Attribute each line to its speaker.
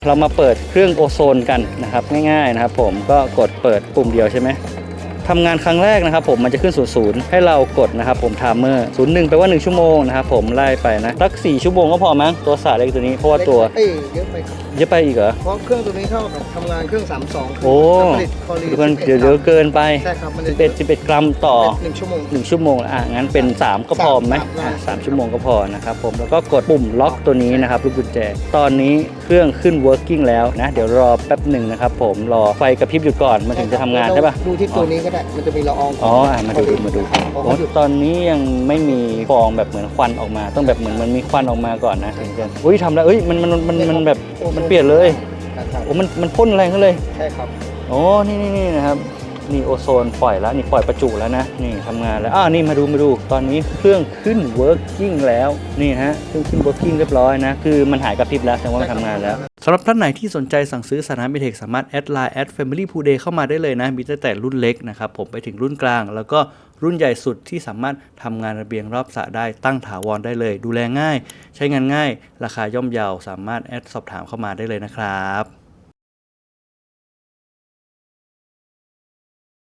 Speaker 1: เรามาเปิดเครื่องโอโซนกันนะครับง่ายๆนะครับผมก็กดเปิดปุ่มเดียวใช่ไหมทำงานครั้งแรกนะครับผมมันจะขึ้น00ให้เรากดนะครับผมไทม์เมอร์01แปลว่า1ชั่วโมงนะครับผมไล่ไปนะสัก4ชั่วโมงก็พอมั้งตัวสาเล็กตัวนี้เพราะว่าตัว
Speaker 2: เยอะไปครับ
Speaker 1: เยอะไปอีกเหรอ
Speaker 2: เพราะเครื่องตัวนี้เท่ากับทำงานเครื่อง32
Speaker 1: โอ้
Speaker 2: ผลิตคอรี
Speaker 1: เดี๋ยวเกินไป
Speaker 2: ใช่ครับมัน
Speaker 1: 11กรัมต่อ
Speaker 2: 1ชั่วโมง
Speaker 1: 1ชั่วโมงงั้นเป็น3ก็พอไหม3ชั่วโมงก็พอนะครับผมแล้วก็กดปุ่มล็อกตัวนี้นะครับลูกกุญแจตอนนี้เครื่องขึ้น working แล้วนะเดี๋ยวรอแป๊บหนึ่งนะครับผมรอไฟกระพริบหยุดก่อนมันถึงจะทำงานได้ปะ
Speaker 2: ดูที่ตัวนี้ก็ได้มันจะมีละออง
Speaker 1: มาดูโอ้ตอนนี้ยังไม่มีฟองแบบเหมือนควันออกมาต้องแบบเหมือนมันมีควันออกมาก่อนนะถึงจะอุ้ยทำแล้วมันแบบมันเปลี่ยนเลยโอ้มันพ่นแรงขึ้นเลย
Speaker 2: ใช่ครับ
Speaker 1: โอ้นี่นะครับนี่โอโซนปล่อยแล้วนี่ปล่อยประจุแล้วนะนี่ทำงานแล้วนี่มาดูตอนนี้เครื่องขึ้น working แล้วนี่ฮะเครื่องขึ้น working เรียบร้อยนะคือมันหายกระพริบแล้วแสดงว่ามันทำงานแล้วสำหรับท่านไหนที่สนใจสั่งซื้อสถานบิเทคสามารถแอดไลน์@family pool day เข้ามาได้เลยนะมีตั้งแต่รุ่นเล็กนะครับผมไปถึงรุ่นกลางแล้วก็รุ่นใหญ่สุดที่สามารถทำงานระเบียงรอบสระได้ตั้งถาวรได้เลยดูแลง่ายใช้งานง่ายราคาย่อมเยาสามารถแอดสอบถามเข้ามาได้เลยนะครับ